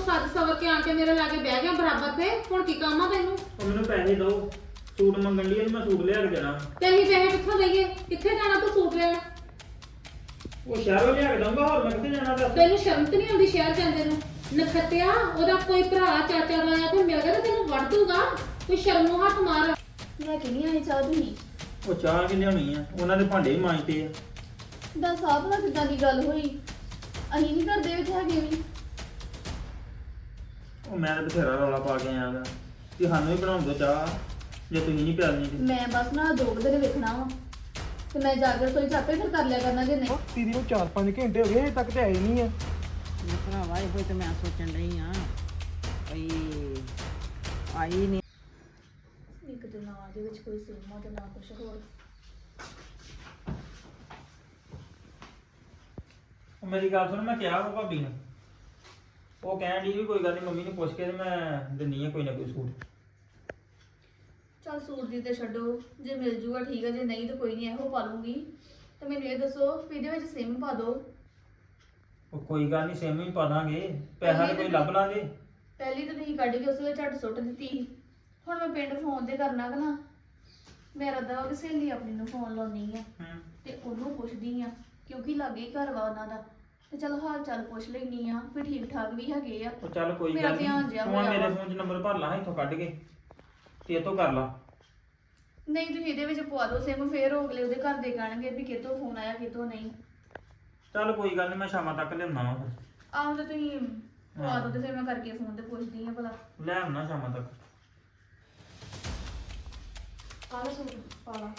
ਸੱਜ ਸਵਰ ਕੇ ਆਣ ਕੇ ਮੇਰੇ ਲਾਗੇ ਬਹਿ ਗਿਆ ਬਰਾਬਰ ਤੇ ਹੁਣ ਕੀ ਕੰਮ ਆ ਤੈਨੂੰ? ਉਹ ਮੈਨੂੰ ਪੈਸੇ ਦਿਓ, ਸੂਟ ਮੰਗਣ ਲਈ ਮੈਂ ਸੂਟ ਲਿਆ ਕੇ ਦੇਣਾ। ਤੇ ਅਸੀਂ ਪੈਸੇ ਕਿੱਥੋਂ ਦੇਈਏ? ਕਿੱਥੇ ਜਾਣਾ ਤੂੰ ਸੂਟ ਲੈਣ? ਉਹ ਸ਼ਹਿਰੋਂ ਲਿਆ ਕੇ ਦਊਂਗਾ, ਹੋਰ ਮੈਂ ਕਿੱਥੇ ਜਾਣਾ ਦੱਸ। ਤੈਨੂੰ ਸ਼ਰਮ ਤੇ ਨਹੀਂ ਆਉਂਦੀ ਸ਼ਹਿਰ ਜਾਂਦੇ ਨੂੰ? ਨਖੱਤਿਆ, ਉਹਦਾ ਕੋਈ ਭਰਾ ਚਾਚਾ ਆਇਆ ਤੇ ਮਿਲ ਗਿਆ ਤੇ ਤੈਨੂੰ ਵੜ ਦੂਗਾ। ਕੋਈ ਸ਼ਰਮ ਨੂੰ ਹੱਥ ਮਾਰ। ਮੈਂ ਕਿੰਨੀ ਆਈ ਚਾਹ ਤੁਸੀਂ ਉਹ ਚਾਹ ਕਿ ਲਿਆਉਣੀ ਆ, ਉਹਨਾਂ ਦੇ ਭਾਂਡੇ ਵੀ ਮਾਂਜਦੇ ਆ। ਦੱਸ ਆਪ ਨਾ ਕਿੱਦਾਂ ਦੀ ਗੱਲ ਹੋਈ? ਅਸੀਂ ਨਹੀਂ ਘਰ ਦੇ ਵਿੱਚ ਹੈਗੇ ਵੀ। ਉਹ ਮੈਂ ਤਾਂ ਬਥੇਰਾ ਰੌਲਾ ਪਾ ਕੇ ਆਇਆ ਗਾ ਕਿ ਸਾਨੂੰ ਵੀ ਬਣਾਉਣ ਦਿਓ ਚਾਹ, ਜੇ ਤੁਸੀਂ ਨਹੀਂ ਪਿਆਲਣੀ ਤੇ। ਮੈਂ ਬਸ ਨਾ 2 ਦਿਨ ਵੇਖਣਾ ਵਾ ਤੇ ਮੈਂ ਜਾ ਕੇ ਰਸੋਈ ਚ ਆਪੇ ਫਿਰ ਕਰ ਲਿਆ ਕਰਨਾ ਜੇ ਨਹੀਂ। ਦੀਦੀ ਨੂੰ 4-5 ਘੰਟੇ ਹੋ ਗਏ ਹਜੇ ਤੱਕ ਤੇ ਆਏ ਨਹੀਂ ਆ। ਮੈਂ ਭਰਾਵਾ ਇਹੋ ਤੇ ਮੈਂ ਸੋਚਣ ਰਹੀ ਆ ਭਈ ਆਈ ਨਹੀਂ। ਇੱਕ ਦਿਨ ਆ ਦੇ ਵਿੱਚ ਕੋਈ ਸੀਮਾ ਤੇ ਨਾ ਕੁਛ ਹੋਰ। ਉਹ ਮੇਰੀ ਗੱਲ ਸੁਣ, ਮੈਂ ਕਿਹਾ ਵਾ ਭਾਬੀ ਨੂੰ, ਉਹ ਕਹਿਣ ਦੀ ਵੀ ਕੋਈ ਗੱਲ ਨਹੀਂ, ਮੰਮੀ ਨੂੰ ਪੁੱਛ ਕੇ ਤੇ ਮੈਂ ਦਿੰਨੀ ਆ ਕੋਈ ਨਾ ਕੋਈ ਸੂਟ। ਚੱਲ ਸੂਟ ਦੀ ਤੇ ਛੱਡੋ, ਜੇ ਮਿਲ ਜੂਗਾ ਠੀਕ ਹੈ, ਜੇ ਨਹੀਂ ਤਾਂ ਕੋਈ ਨਹੀਂ, ਇਹੋ ਪਾ ਲੂੰਗੀ। ਤੇ ਮੈਨੂੰ ਇਹ ਦੱਸੋ ਵੀ ਇਹਦੇ ਵਿੱਚ ਸਿਮ ਪਾ ਦਿਓ। ਉਹ ਕੋਈ ਗੱਲ ਨਹੀਂ, ਸੇਮ ਹੀ ਪਾ ਦਾਂਗੇ, ਪੈਸਾ ਤਾਂ ਕੋਈ ਲੱਭ ਲਾਂਗੇ। ਪਹਿਲੀ ਤਾਂ ਤੁਸੀਂ ਕੱਢ ਕੇ ਉਸ ਵੇਲੇ ਝੱਟ ਸੁੱਟ ਦਿੱਤੀ। ਹੁਣ ਮੈਂ ਪਿੰਡ ਫੋਨ ਤੇ ਕਰਨਾ ਕਿ ਨਾ, ਮੇਰਾ ਦਾ ਉਹ ਸਹੇਲੀ ਆਪਣੀ ਨੂੰ ਫੋਨ ਲਾਉਣੀ ਆ ਤੇ ਉਹਨੂੰ ਪੁੱਛਦੀ ਆ, ਕਿਉਂਕਿ ਲਾਗੇ ਹੀ ਘਰ ਵਾ ਉਹਨਾਂ ਦਾ, ਤੇ ਚਲ ਹਾਲ ਚਾਲ ਪੁੱਛ ਲੈਣੀ ਆ ਵੀ ਠੀਕ ਠਾਕ ਵੀ ਹੈਗੇ ਆ। ਉਹ ਚੱਲ ਕੋਈ ਮੇਰਾ ਗੱਲ ਧਿਆਨ ਨਹੀਂ, ਜਿਹਾ ਤੂੰ ਹੋਇਆ ਮੇਰੇ ਵਾ। ਫੋਨ 'ਚ ਨੰਬਰ ਭਰ ਲਾ ਇੱਥੋਂ ਕੱਢ ਕੇ ਤੇ ਇਹ ਤੋਂ ਕਰ ਲਾ। ਨਹੀਂ ਤੁਸੀਂ ਇਹਦੇ ਵਿੱਚ ਪਵਾ ਦਿਓ ਸਿਮ, ਫੇਰ ਅਗਲੇ ਉਹਦੇ ਘਰ ਦੇ ਕਹਿਣਗੇ ਵੀ ਕਿਤੋਂ ਫੋਨ ਆਇਆ ਕਿਤੋਂ ਨਹੀਂ। ਚੱਲ ਕੋਈ ਗੱਲ ਨਹੀਂ, ਮੈਂ ਸ਼ਾਮਾਂ ਤੱਕ ਲਿਆਉਣਾ ਵਾ ਫਿਰ। ਆਹੋ ਤੇ ਤੁਸੀਂ ਪਵਾ ਦਿਓ ਤੇ ਫਿਰ ਮੈਂ ਕਰਕੇ ਫੋਨ ਤੇ ਪੁੱਛਦੀ ਆ ਭਲਾ। ਲੈ ਆਉਣਾ ਸ਼ਾਮਾਂ ਤੱਕ। ਆਹ ਲਓ ਸੂਟ ਪਾ ਲਾ।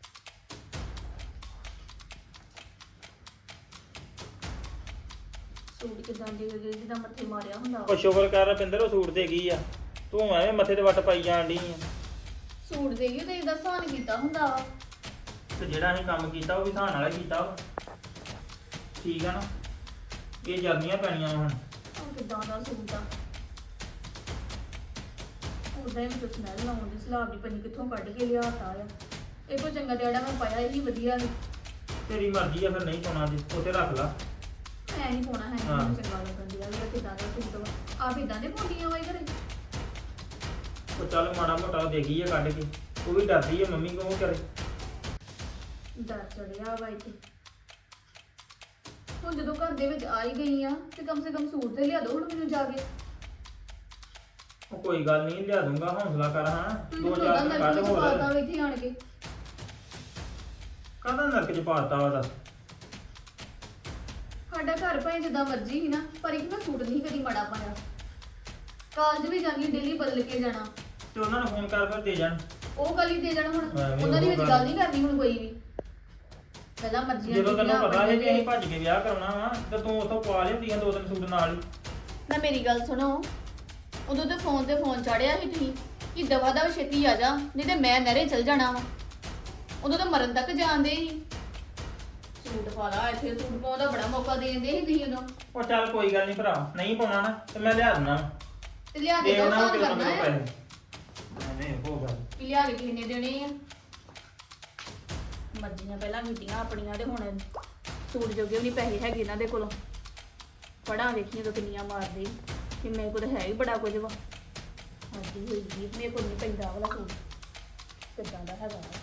ਸੂਟ ਕਿਦਾਂ ਦੇ ਗਏ ਜਿੱਦਾਂ ਮੱਥੇ ਮਾਰਿਆ ਹੁੰਦਾ ਉਹ ਵਾ। ਸ਼ੁਕਰ ਕਰ ਰਪਿੰਦਰ, ਉਹ ਸੂਟ ਦੇ ਗਈ ਆ, ਤੂੰ ਐਵੇਂ ਮੱਥੇ ਤੇ ਵੱਟ ਪਾਈ ਜਾਣ ਡਈ ਆ। ਸੂਟ ਦੇ ਗਏ ਤੇ ਇਹਦਾ ਸਾਨ ਕੀਤਾ ਹੁੰਦਾ ਵਾ। ਤੇ ਜਿਹੜਾ ਅਸੀਂ ਕੰਮ ਕੀਤਾ ਉਹ ਵੀ ਧਾਨ ਵਾਲਾ ਹੀ ਕੀਤਾ ਵਾ, ਠੀਕ ਆ ਨਾ? ਇਹ ਜਰਨੀਆਂ ਪੈਣੀਆਂ ਵਾ ਹੁਣ। ਆਹ ਕਿਦਾਂ ਦਾ ਸੂਟ ਆ, ਉਹਦਾ ਹੀ ਮੈਨੂੰ ਸਮੈਲ ਆਉਂਦੀ, ਸਲਾਬ ਦੀ ਪਨੀ ਕਿੱਥੋਂ ਕੱਢ ਕੇ ਲਿਆਤਾ ਆ। ਇਹ ਤੋਂ ਚੰਗਾ ਤੇ ਜਿਹੜਾ ਮੈਂ ਪਾਇਆ ਇਹੀ ਵਧੀਆ ਸੀ। ਤੇਰੀ ਮਰਜ਼ੀ ਆ, ਫਿਰ ਨਹੀਂ ਪਾਉਣਾ ਜੇ ਉੱਥੇ ਰੱਖ ਲਾ। ਮੈਂ ਨਹੀਂ ਪਾਉਣਾ ਹੈ, ਹਾਂ। ਮੈਨੂੰ ਚੰਗਾ ਲੱਗਣ ਦਿਆ ਵੀ ਕਿਦਾਂ ਦਾ ਸੂਟ ਵਾ। ਆਪ ਇਦਾਂ ਦੇ ਪਾਉਂਦੀਆਂ ਵਾ ਘਰੇ। ਉਹ ਚੱਲ ਮਾੜਾ ਮੋਟਾ ਦੇਖੀ ਆ ਕੱਢ ਕੇ, ਉਹ ਵੀ ਡਰਦੀ ਆ ਮੰਮੀ ਕੋਲ ਕਰੇ। ਡਰ ਚੜਿਆ ਵਾ ਇੱਥੇ। ਹੁਣ ਜਦੋਂ ਘਰ ਦੇ ਵਿੱਚ ਆ ਹੀ ਗਈ ਆ ਤੇ ਕਮ ਸੇ ਕਮ ਸੂਟ ਤੇ ਲਿਆ ਦੋ ਹੁਣ ਮੈਨੂੰ ਜਾ ਕੇ। ਉਹ ਕੋਈ ਗੱਲ ਨਹੀਂ, ਲਿਆ ਦੂੰਗਾ, ਹੌਸਲਾ ਕਰ। ਹਾਂ, ਤੁਸੀਂ ਦੋ ਉਹਦਾ ਚਾਰ ਦਿਨ ਨਰਕ ਕੱਢ ਵਿੱਚ ਹੋਰ। ਪਾਤਾ ਵਾ ਇੱਥੇ ਆਣ ਕੇ। ਕਾਹਦਾ ਨਰਕ ਚ ਪਾਤਾ ਵਾ ਦੱਸ? ਸਾਡਾ ਘਰ ਭਾਵੇਂ ਜਿੱਦਾਂ ਮਰਜ਼ੀ ਸੀ ਨਾ, ਪਰ ਇੱਕ ਮੈਂ ਸੂਟ ਨਹੀਂ ਕਦੀ ਮਾੜਾ ਪਾਇਆ। ਕਾਲਜ ਵੀ ਜਾਂਦੀ ਡੇਲੀ ਬਦਲ ਕੇ ਜਾਣਾ। ਤੇ ਉਹਨਾਂ ਨੂੰ ਫੋਨ ਕਰ ਫਿਰ ਦੇ ਜਾਣ। ਉਹ ਗੱਲ ਹੀ ਦੇ ਜਾਣਾ ਹੁਣ। ਐਵੇਂ ਉਹਨਾਂ ਦੀ ਉਹ ਵਿੱਚ ਗੱਲ ਗੱਲ ਨਹੀਂ ਕਰਨੀ ਹੁਣ ਕੋਈ ਵੀ। ਪਹਿਲਾਂ ਮਰਜ਼ੀਆਂ ਜਦੋਂ ਤੈਨੂੰ ਕੀਤੀਆਂ ਪਤਾ ਹੈ ਕਿ ਅਸੀਂ ਆਪਣੇ ਭੱਜ ਕੇ ਵਿਆਹ ਕਰਾਉਣਾ ਵਾ, ਤੇ ਤੂੰ ਉੱਥੋਂ ਪਵਾ ਲਿਆਉਂਦੀਆਂ 2 ਦਿਨ ਸੂਟ ਨਾਲ ਹੀ। ਨਾ ਮੇਰੀ ਗੱਲ ਸੁਣੋ, ਉਦੋਂ ਤੇ ਫੋਨ ਚਾੜਿਆ ਸੀ ਤੁਸੀਂ ਕਿ ਦਵਾ ਦਾ ਛੇਤੀ ਆ ਜਾ, ਨਹੀਂ ਤੇ ਮੈਂ ਨਹਿਰੇ ਚਲ ਜਾਣਾ ਵਾ। ਉਦੋਂ ਤਾਂ ਮਰਨ ਤੱਕ ਜਾਂਦੇ ਸੀ। ਸੂਟ ਪਾ ਲਾ, ਇੱਥੇ ਸੂਟ ਪਾਉਣ ਦਾ ਬੜਾ ਮੌਕਾ ਦੇਂਦੇ ਸੀ ਤੁਸੀਂ ਉਦੋਂ। ਉਹ ਚੱਲ ਕੋਈ ਗੱਲ ਨਹੀਂ ਭਰਾ, ਨਹੀਂ ਪਾਉਣਾ ਨਾ ਤੇ ਮੈਂ ਲਿਆ ਦਿੰਦਾ। ਤੇ ਲਿਆ ਕੇ ਦੇ ਦੋ ਉਹਨਾਂ ਸਾਨ ਨੂੰ ਕਰਨਾ ਹੈ ਪੈਸੇ। ਐਵੇਂ ਹੋ ਗੱਲ। ਵੀ ਲਿਆ ਕੇ ਕਿਸੇ ਨੇ ਦੇਣੇ ਆ। ਮਰਜ਼ੀਆਂ ਪਹਿਲਾਂ ਕੀਤੀਆਂ ਆਪਣੀਆਂ ਤੇ ਹੁਣ ਸੂਟ ਜੋਗੇ ਵੀ ਨਹੀਂ ਪੈਸੇ ਹੈਗੇ ਇਹਨਾਂ ਦੇ ਕੋਲੋਂ। ਪੜਾਂ ਵੇਖੀਆਂ ਤਾਂ ਕਿੰਨੀਆਂ ਮਾਰਦੇ ਕਿ ਮੇਰੇ ਕੋਲ ਤਾਂ ਹੈ ਹੀ ਬੜਾ ਕੁਝ ਵਾ। ਹਾਂਜੀ ਹੋਈ ਜੀ, ਮੇਰੇ ਕੋਲ ਨਹੀਂ ਪੈਂਦਾ ਵਾਲਾ ਸੂਟ ਕਿੱਦਾਂ ਦਾ ਹੈਗਾ ਵਾ।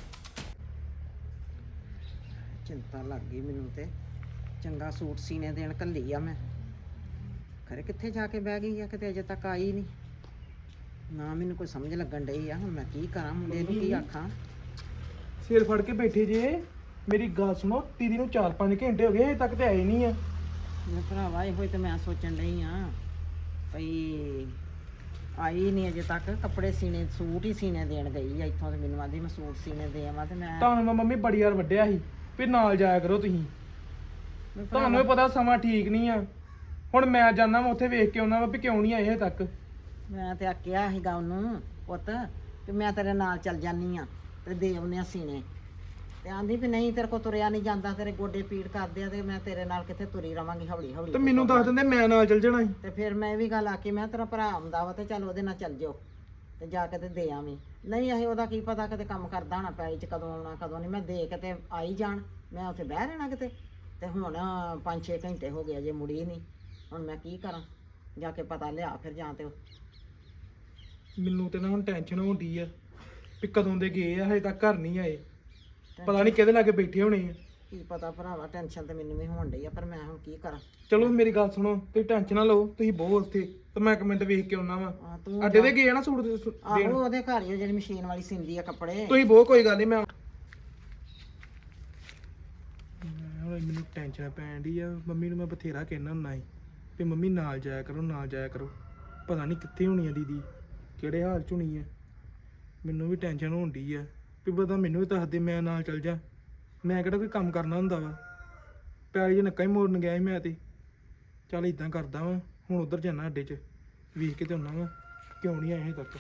ਚਿੰਤਾ ਲੱਗ ਗਈ ਮੈਨੂੰ ਤੇ। ਚੰਗਾ ਸੂਟ ਸੀਨੇ ਦੇਣ ਘੱਲੀ ਆ ਮੈਂ, ਖਰੇ ਕਿੱਥੇ ਜਾ ਕੇ ਬਹਿ ਗਈ ਆ, ਕਿਤੇ ਅਜੇ ਤੱਕ ਆਈ ਨਹੀਂ ਨਾ। ਮੈਨੂੰ ਕੋਈ ਸਮਝ ਲੱਗਣ ਡਈ ਆ, ਹੁਣ ਮੈਂ ਕੀ ਕਰਾਂ, ਮੁੰਡੇ ਨੂੰ ਕੀ ਆਖਾਂ। ਸਿਰ ਫੜ ਕੇ ਬੈਠੇ ਜੇ। ਮੇਰੀ ਗੱਲ ਸੁਣੋ, ਦੀਦੀ ਨੂੰ 4-5 ਘੰਟੇ ਹੋ ਗਏ ਹਜੇ ਤੱਕ ਤੇ ਆਏ ਨਹੀਂ ਆ। ਮੈਂ ਭਰਾਵਾ ਇਹੋ ਤੇ ਮੈਂ ਸੋਚਣ ਡਈ ਆ ਭਈ ਆਈ ਨਹੀਂ ਅਜੇ ਤੱਕ। ਕੱਪੜੇ ਸੀਨੇ, ਸੂਟ ਹੀ ਸੀਨੇ ਦੇਣ ਗਈ ਆ ਇੱਥੋਂ, ਤੇ ਮੈਨੂੰ ਆਂਦੀ ਮੈਂ ਸੂਟ ਸੀਨੇ ਦੇ ਆਵਾਂ। ਤੇ ਮੈਂ ਤੁਹਾਨੂੰ ਮੈਂ ਮੰਮੀ ਬੜੀ ਵਾਰ ਵੱਢਿਆ ਸੀ ਵੀ ਨਾਲ ਜਾਇਆ ਕਰੋ ਤੁਸੀਂ। ਤੁਹਾਨੂੰ ਵੀ ਪਤਾ ਸਮਾਂ ਠੀਕ ਨਹੀਂ ਆ। ਹੁਣ ਮੈਂ ਜਾਣਾ ਮੈਂ ਉੱਥੇ ਵੇਖ ਕੇ ਆਉਣਾ ਵਾ ਵੀ ਕਿਉਂ ਨਹੀਂ ਆਏ ਹਜੇ ਤੱਕ। ਮੈਂ ਤੇ ਆਖਿਆ ਸੀਗਾ ਉਹਨੂੰ, ਪੁੱਤ ਵੀ ਮੈਂ ਤੇਰੇ ਨਾਲ ਚੱਲ ਜਾਨੀ ਆ ਤੇ ਦੇ ਆਉਂਦੇ ਆ ਸੀਨੇ। ਤੇ ਆਂਦੀ ਵੀ ਨਹੀਂ, ਤੇਰੇ ਕੋ ਤੁਰਿਆ ਨਹੀਂ ਜਾਂਦਾ, ਤੇਰੇ ਗੋਡੇ ਪੀੜ ਕਰਦੇ ਆ, ਤੇ ਮੈਂ ਤੇਰੇ ਨਾਲ ਕਿੱਥੇ ਤੁਰੀ ਰਵਾਂਗੀ ਹੌਲੀ ਹੌਲੀ। ਤੇ ਮੈਨੂੰ ਦੱਸ ਦਿੰਦੇ ਮੈਂ ਨਾਲ ਚੱਲ ਜਾਣਾ ਸੀ। ਤੇ ਫਿਰ ਮੈਂ ਇਹ ਵੀ ਗੱਲ ਆਖੀ, ਮੈਂ ਤੇਰਾ ਭਰਾ ਆਉਂਦਾ ਵਾ ਤੇ ਚੱਲ ਉਹਦੇ ਨਾਲ ਚੱਲ ਜਾਓ ਤੇ ਜਾ ਕੇ ਤੇ ਦੇ ਆਵੀਂ। ਨਹੀਂ ਅਸੀਂ ਉਹਦਾ ਕੀ ਪਤਾ ਕਿਤੇ ਕੰਮ ਕਰਦਾ ਹੋਣਾ ਪੈਲੀ 'ਚ, ਕਦੋਂ ਆਉਣਾ ਕਦੋਂ ਨਹੀਂ। ਮੈਂ ਦੇ ਕੇ ਤੇ ਆਈ ਜਾਣ, ਮੈਂ ਉੱਥੇ ਬਹਿ ਰਹਿਣਾ ਕਿਤੇ। ਤੇ ਹੁਣ 5-6 ਘੰਟੇ ਹੋ ਗਏ ਜੇ ਮੁੜੀ ਨਹੀਂ। ਹੁਣ ਮੈਂ ਕੀ ਕਰਾਂ? ਜਾ ਕੇ ਪਤਾ ਲਿਆ ਫਿਰ ਜਾਂ ਤੇ ਮੈਨੂੰ ਤੇ ਨਾ ਹੁਣ ਟੈਨਸ਼ਨ ਹੋਣੀ ਆ ਵੀ ਕਦੋਂ ਦੇ ਗਏ ਆ ਹਜੇ ਤੱਕ ਘਰ ਨਹੀਂ ਆਏ। ਪਤਾ ਨਹੀਂ ਕਿਹਦੇ ਲਾਗੇ ਬੈਠੇ ਹੋਣੇ ਆ। ਕੀ ਪਤਾ ਭਰਾਵਾ, ਟੈਨਸ਼ਨ ਤੇ ਮੈਨੂੰ ਵੀ ਹੋਣ ਡਈ ਆ, ਪਰ ਮੈਂ ਹੁਣ ਕੀ ਕਰਾਂ। ਚਲੋ ਮੇਰੀ ਗੱਲ ਸੁਣੋ, ਤੁਸੀਂ ਟੈਨਸ਼ਨ ਨਾ ਲਓ, ਤੁਸੀਂ ਬਹੁਤ ਉੱਥੇ ਤੇ ਮੈਂ ਇੱਕ ਮਿੰਟ ਵੇਖ ਕੇ ਆਉਣਾ ਵਾ। ਤੂੰ ਅੱਡੇ ਤੇ ਗਏ ਆ ਨਾ ਸੂਟ ਦੇਣ? ਆਹੋ ਉਹਦੇ ਘਰ ਹੀ ਆ ਜਿਹੜੀ ਮਸ਼ੀਨ ਵਾਲੀ ਸਿੰਦੀ ਆ ਕੱਪੜੇ। ਤੁਸੀਂ ਬਹੁਤ, ਕੋਈ ਗੱਲ ਨਹੀਂ, ਮੈਂ ਹੁਣ ਮੈਨੂੰ ਟੈਨਸ਼ਨ ਪੈਣ ਡਈ ਆ। ਮੰਮੀ ਨੂੰ ਮੈਂ ਬਥੇਰਾ ਕਹਿਣਾ ਹੁੰਦਾ ਸੀ ਵੀ ਮੰਮੀ ਨਾਲ ਜਾਇਆ ਕਰੋ, ਨਾਲ ਜਾਇਆ ਕਰੋ। ਪਤਾ ਨਹੀਂ ਕਿੱਥੇ ਹੋਣੀ ਆ ਦੀਦੀ, ਕਿਹੜੇ ਹਾਲ ਚ ਹੋਣੀ ਆ। ਮੈਨੂੰ ਵੀ ਟੈਨਸ਼ਨ ਹੋਣ ਡਈ ਆ ਵੀ ਪਤਾ ਮੈਨੂੰ ਵੀ ਦੱਸ ਦੇ, ਮੈਂ ਨਾਲ ਚੱਲ ਜਾ। ਮੈਂ ਕਿਹੜਾ ਕੋਈ ਕੰਮ ਕਰਨਾ ਹੁੰਦਾ ਵਾ, ਪੈਲੀ ਜੇ ਨੱਕਾ ਹੀ ਮੋੜਨ ਗਿਆ ਸੀ ਮੈਂ ਤੇ। ਚੱਲ ਇਦਾਂ ਕਰਦਾ ਵਾਂ, ਹੁਣ ਉਧਰ ਜਾਣਾ ਅੱਡੇ 'ਚ ਵੇਖ ਕੇ ਤੇ ਆਉਣਾ ਵਾ ਕਿਉਂ ਨਹੀਂ ਆਏ ਹਜੇ ਤੱਕ।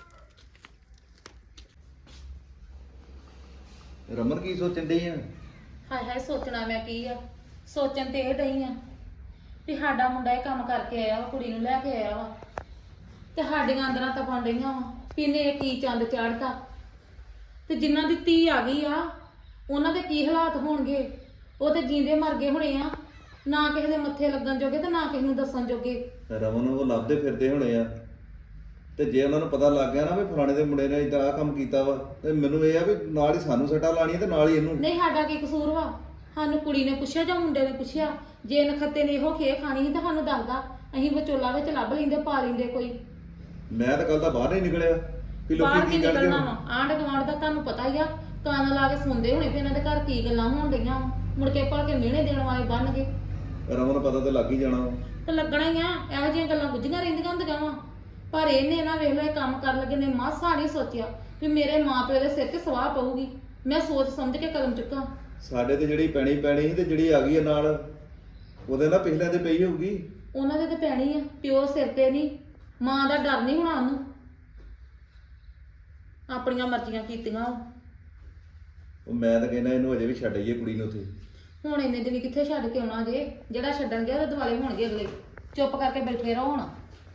ਰਮਨ ਕੀ ਸੋਚਣ ਡਈ ਆ? ਹਾਏ ਹਾਏ ਸੋਚਣਾ ਮੈਂ ਕੀ ਆ, ਸੋਚਣ ਤੇ ਇਹ ਡਈ ਆ ਵੀ ਸਾਡਾ ਮੁੰਡਾ ਇਹ ਕੰਮ ਕਰਕੇ ਆਇਆ ਵਾ, ਕੁੜੀ ਨੂੰ ਲੈ ਕੇ ਆਇਆ ਵਾ, ਤੇ ਸਾਡੀਆਂ ਅੰਦਰਾਂ ਤਪਾਂ ਡਈਆਂ ਵਾ ਵੀ ਇਹਨੇ ਇਹ ਕੀ ਚੰਦ ਚਾੜਤਾ। ਤੇ ਜਿਨ੍ਹਾਂ ਦੀ ਧੀ ਆ ਗਈ ਆ ਉਹਨਾਂ ਦੇ ਕੀ ਹਾਲਾਤ ਹੋਣਗੇ। ਉਹ ਤੇ ਜੀਂਦੇ ਮਰ ਗਏ ਹੋਣੇ ਆ, ਨਾ ਕਿਸੇ ਦੇ ਮੱਥੇ ਲੱਗਣ ਜੋਗੇ ਤੇ ਨਾ ਕਿਸੇ ਨੂੰ ਦੱਸਣ ਜੋਗੇ। ਰਮਨ ਉਹ ਲੱਭਦੇ ਫਿਰਦੇ ਹੋਣੇ ਆ, ਤੇ ਜੇ ਉਹਨਾਂ ਨੂੰ ਪਤਾ ਲੱਗ ਗਿਆ ਨਾ ਵੀ ਫਲਾਣੇ ਦੇ ਮੁੰਡੇ ਨੇ ਇਦਾਂ ਆਹ ਕੰਮ ਕੀਤਾ ਵਾ, ਤੇ ਮੈਨੂੰ ਇਹ ਆ ਵੀ ਨਾਲ ਹੀ ਸਾਨੂੰ ਸੱਟਾਂ ਲਾਣੀਆਂ ਤੇ ਨਾਲ ਹੀ ਇਹਨੂੰ। ਨਹੀਂ ਸਾਡਾ ਕੀ ਕਸੂਰ ਵਾ? ਸਾਨੂੰ ਕੁੜੀ ਨੇ ਪੁੱਛਿਆ ਜਾਂ ਮੁੰਡੇ ਨੇ ਪੁੱਛਿਆ? ਜੇ ਨਖੱਤੇ ਨੇ ਇਹੋ ਖੇ ਖਾਣੀ ਸੀ ਤਾਂ ਸਾਨੂੰ ਦੱਸਦਾ, ਅਸੀਂ ਵਿਚੋਲਾ ਵਿੱਚ ਲੱਭ ਲੈਂਦੇ, ਪਾ ਲੈਂਦੇ ਕੋਈ। ਮੈਂ ਤਾਂ ਕੱਲ ਦਾ ਬਾਹਰ ਨਹੀਂ ਨਿਕਲਿਆ ਵੀ ਬਾਹਰ ਲੋਕੀ ਕੀ ਕੀ ਕਰਦੇ ਨਿਕਲਣਾ ਹੋਣ। ਵਾ? ਆਂਢ ਗੁਆਂਢ ਦਾ ਤੁਹਾਨੂੰ ਪਤਾ ਹੀ ਆ, ਕੰਨ ਲਾ ਕੇ ਸੁਣਦੇ ਹੋਣੇ ਵੀ ਇਹਨਾਂ ਦੇ ਘਰ ਕੀ ਗੱਲਾਂ ਹੋਣ ਡਈਆਂ ਵਾ। ਮੁੜ ਕੇ ਭਲ ਕੇ ਮਿਹਣੇ ਦੇਣ ਵਾਲੇ ਬਣ ਗਏ। ਰਮਨ ਪਤਾ ਤਾਂ ਲੱਗ ਹੀ ਜਾਣਾ ਵਾ। ਤੇ ਲੱਗਣਾ ਹੀ ਆ, ਇਹੋ ਜਿਹੀਆਂ ਗੱਲਾਂ ਗੁੱਝੀਆਂ ਰਹਿੰਦੀਆਂ ਹੁੰਦੀਆਂ ਵਾ। ਪਰ ਇਹਨੇ ਨਾ ਵੇਖ ਲਓ ਇਹ ਕੰਮ ਕਰਨ ਲੱਗੇ ਨੇ ਮਾਸਾ ਨਹੀਂ ਸੋਚਿਆ ਵੀ ਮੇਰੇ ਮਾਪਿਓ ਦੇ ਸਿਰ ਤੇ ਸਵਾਹ ਪਊਗੀ। ਮੈਂ ਸੋਚ ਸਮਝ ਕੇ ਕਦਮ ਚੁੱਕਾਂ। ਸਾਡੇ ਤੇ ਜਿਹੜੀ ਪੈਣੀ ਸੀ ਤੇ ਜਿਹੜੀ ਆ ਗਈ ਆ ਨਾਲ, ਉਹਦੇ ਨਾਲ ਪਿਛਲੇ ਤੇ ਪਈ ਹੋਊਗੀ। ਉਹਨਾਂ ਦੇ ਤੇ ਪੈਣੀ ਆ, ਪਿਓ ਸਿਰ ਤੇ ਨਹੀਂ, ਮਾਂ ਦਾ ਡਰ ਨਹੀਂ ਹੋਣਾ ਉਹਨੂੰ। ਆਪਣੀਆਂ ਮਰਜ਼ੀਆਂ ਕੀਤੀਆਂ। ਉਹ ਮੈਂ ਤਾਂ ਕਹਿੰਦਾ ਇਹਨੂੰ ਅਜੇ ਵੀ ਛੱਡ ਆਈਏ ਕੁੜੀ ਨੂੰ ਉੱਥੇ। ਹੁਣ ਇੰਨੇ ਦਿਨ ਕਿੱਥੇ ਛੱਡ ਕੇ ਆਉਣਾ ਜੇ? ਜਿਹੜਾ ਛੱਡਣ ਗਿਆ ਉਹਦੇ ਦੁਆਲੇ ਹੋਣਗੇ ਅਗਲੇ। ਚੁੱਪ ਕਰਕੇ ਬੈਠੇ ਰਹੋ ਹੁਣ।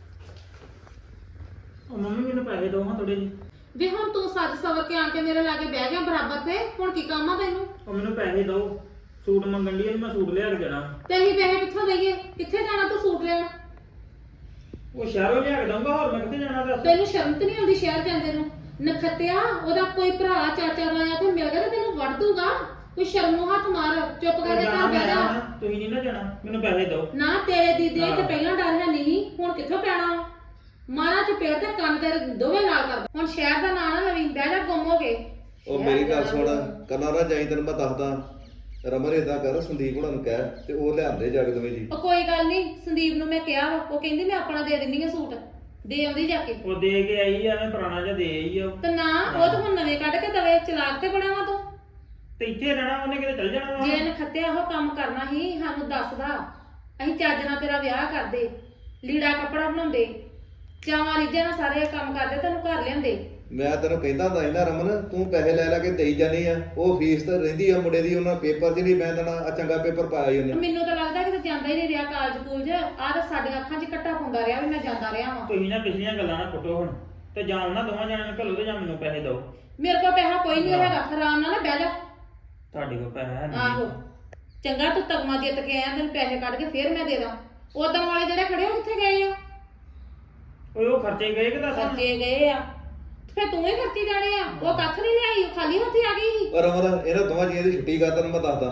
ਉਹ ਮੰਮੀ ਮੈਨੂੰ ਪੈਸੇ ਦਿਓ ਹਾਂ ਥੋੜੇ ਜਿਹੇ। ਵੀ ਹੁਣ ਤੂੰ ਸੱਜ ਸਵਰ ਕੇ ਆ ਕੇ ਮੇਰੇ ਲਾਗੇ ਬਹਿ ਗਿਆ ਬਰਾਬਰ ਤੇ, ਹੁਣ ਕੀ ਕੰਮ ਆ ਤੈਨੂੰ? ਉਹ ਮੈਨੂੰ ਪੈਸੇ ਦਿਓ, ਸੂਟ ਮੰਗਣ ਲਈ ਮੈਂ ਸੂਟ ਲਿਆ ਕੇ ਦੇਣਾ। ਤੇ ਅਸੀਂ ਪੈਸੇ ਕਿੱਥੋਂ ਦਈਏ? ਕਿੱਥੇ ਜਾਣਾ ਤੂੰ ਸੂਟ ਲੈਣ? ਉਹ ਸ਼ਹਿਰੋਂ ਲਿਆ ਕੇ ਦਊਂਗਾ, ਹੋਰ ਮੈਂ ਕਿੱਥੇ ਜਾਣਾ ਦੱਸ? ਤੈਨੂੰ ਸ਼ਰਮ ਤੇ ਨਹੀਂ ਆਉਂਦੀ ਸ਼ਹਿਰ ਜਾਂਦੇ ਨੂੰ? ਨਖੱਤਿਆ, ਉਹਦਾ ਕੋਈ ਭਰਾ ਚਾਚਾ ਰਾਇਆ ਤੇ ਮਿਲ ਗਿਆ ਤੇ ਤੈਨੂੰ ਵੜ ਦੂਗਾ। ਕੋਈ ਸ਼ਰਮ ਨੂੰ ਹੱਥ ਮਾਰ, ਚੁੱਪ ਕਰਕੇ ਘਰ ਬਹਿ ਜਾ। ਤੁਸੀਂ ਨਹੀਂ ਨਾ ਜਾਣਾ, ਮੈਨੂੰ ਪੈਸੇ ਦਿਓ। ਨਾ ਤੇਰੇ ਦੀਦੀ ਤੇ ਪਹਿਲਾਂ ਡਰ ਹੈ ਨਹੀਂ, ਹੁਣ ਕਿੱਥੋਂ ਪੈਣਾ ਵਾ? ਮਾਰਾ ਚਪੇੜ ਤੇ ਕੰਨ ਤੇਰੇ ਦੋਵੇਂ ਨਾਲ ਕਰਦਾ। ਹੁਣ ਸ਼ਹਿਰ ਦਾ ਨਾਂ ਨਾ ਲਵੀਂ, ਬਹਿ ਜਾ ਗੁੰਮ ਹੋ ਕੇ। ਉਹ ਮੇਰੀ ਗੱਲ ਸੁਣ, ਕੱਲਾ ਨਾ ਜਾਈ, ਤੈਨੂੰ ਮੈਂ ਦੱਸਦਾ। ਰਮਨ ਏਦਾਂ ਕਰ, ਸੰਦੀਪ ਹੁਣਾਂ ਨੂੰ ਕਹਿ ਤੇ ਉਹ ਲਿਆਂਦੇ ਜਾ ਕੇ ਦੋਵੇਂ ਜੀ। ਉਹ ਕੋਈ ਗੱਲ ਨਹੀਂ, ਸੰਦੀਪ ਨੂੰ ਮੈਂ ਕਿਹਾ ਵਾ, ਉਹ ਕਹਿੰਦੀ ਮੈਂ ਆਪਣਾ ਦੇ ਦਿੰਦੀ ਆ ਸੂਟ। ਦੇ ਆਉਂਦੀ ਜਾ ਕੇ। ਉਹ ਦੇ ਕੇ ਆਈ ਆ, ਮੈਂ ਪੁਰਾਣਾ ਜਿਹਾ ਦੇ ਆਈ ਆ। ਤੇ ਨਾ ਉਹ ਤਾਂ ਹੁਣ ਨਵੇਂ ਕੱਢ ਕੇ ਦਵੇ। ਚਲਾਕ ਤੇ ਬੜਾ ਵਾ ਤੂੰ। ਤੇ ਇੱਥੇ ਰਹਿਣਾ, ਉਹਨੇ ਕਿਤੇ ਚੱਲ ਜਾਣਾ ਵਾ। ਜੇ ਨਖੱਤਿਆ ਉਹ ਕੰਮ ਕਰਨਾ ਹੀ ਸਾਨੂੰ ਦੱਸਦਾ, ਅਸੀਂ ਚੱਜ ਨਾਲ ਤੇਰਾ ਵਿਆਹ ਕਰਦੇ, ਲੀੜਾ ਕੱਪੜਾ ਬਣਾਉਂਦੇ, ਚਾਵਾਂ ਰੀਝਾਂ ਨਾਲ ਸਾਰੇ ਕੰਮ ਕਰਦੇ, ਤੈਨੂੰ ਘਰ ਲਿਆਂਦੇ। ਮੈਂ ਤੈਨੂੰ ਕਹਿੰਦਾ ਹੁੰਦਾ ਸੀ ਨਾ ਰਮਨ, ਤੂੰ ਪੈਸੇ ਲੈ ਲੈ ਕੇ ਦੇਈ ਜਾਨੀ ਆ। ਉਹ ਫੀਸ ਤਾਂ ਰਹਿੰਦੀ ਆ ਮੁੰਡੇ ਦੀ, ਉਹਨਾਂ ਪੇਪਰ 'ਚ ਨਹੀਂ ਮੈਂ ਦੇਣਾ। ਆ ਚੰਗਾ ਪੇਪਰ ਪਾਇਆ ਹੀ ਉਹਨੇ। ਮੈਨੂੰ ਤਾਂ ਲੱਗਦਾ ਕਿ ਜਾਂਦਾ ਹੀ ਨਹੀਂ ਰਿਹਾ ਕਾਲਜ ਕੂਲਜ। ਆਹ ਤਾਂ ਸਾਡੀਆਂ ਅੱਖਾਂ 'ਚ ਕੱਟਾ ਪਾਉਂਦਾ ਰਿਹਾ ਵੀ ਮੈਂ ਜਾਂਦਾ ਰਿਹਾ ਵਾਂ। ਤੁਸੀਂ ਨਾ ਪਿਛਲੀਆਂ ਗੱਲਾਂ ਨਾ ਪੁੱਟੋ ਹੁਣ, ਤੇ ਜਾਂ ਉਹਨਾਂ ਦੋਵਾਂ ਜਣਿਆਂ ਨੂੰ ਘੱਲੋ ਤੇ ਜਾਂ ਮੈਨੂੰ ਪੈਸੇ ਦਿਓ। ਮੇਰੇ ਕੋਲ ਪੈਸਾ ਕੋਈ ਨਹੀਂ ਹੈਗਾ, ਆਰਾਮ ਨਾਲ ਨਾ ਬਹਿ ਜਾ। ਤੁਹਾਡੇ ਕੋਲ ਪੈਸਾ ਹੈ ਆਹੋ ਨਹੀਂ। ਚੰਗਾ ਤੂੰ ਤਗਮਾ ਜਿੱਤ ਕੇ ਆਇਆ, ਤੈਨੂੰ ਪੈਸੇ ਕੱਢ ਕੇ ਫੇਰ ਮੈਂ ਦੇ ਦਾਂ। ਉਦੋਂ ਵਾਲੇ ਜਿਹੜੇ ਖੜੇ ਉਹ ਕਿੱਥੇ ਗਏ ਆ? ਓਏ ਉਹ ਖਰਚੇ ਗਏ ਕਿ ਦੱਸ? ਖਰਚੇ ਗਏ ਆ, ਫੇਰ ਤੂੰ ਹੀ ਖਰਚੀ ਜਾਣੇ ਆ। ਉਹ ਕੱਖ ਨਹੀਂ ਲਿਆਈ, ਉਹ ਖਾਲੀ ਹੱਥੀ ਆ ਗਈ ਸੀ। ਪਰ ਰਮਨ ਇਹਨਾਂ ਦੋਵਾਂ ਜੀਆਂ ਦੀ ਛੁੱਟੀ ਕਰ, ਤੈਨੂੰ ਮੈਂ ਦੱਸਦਾ।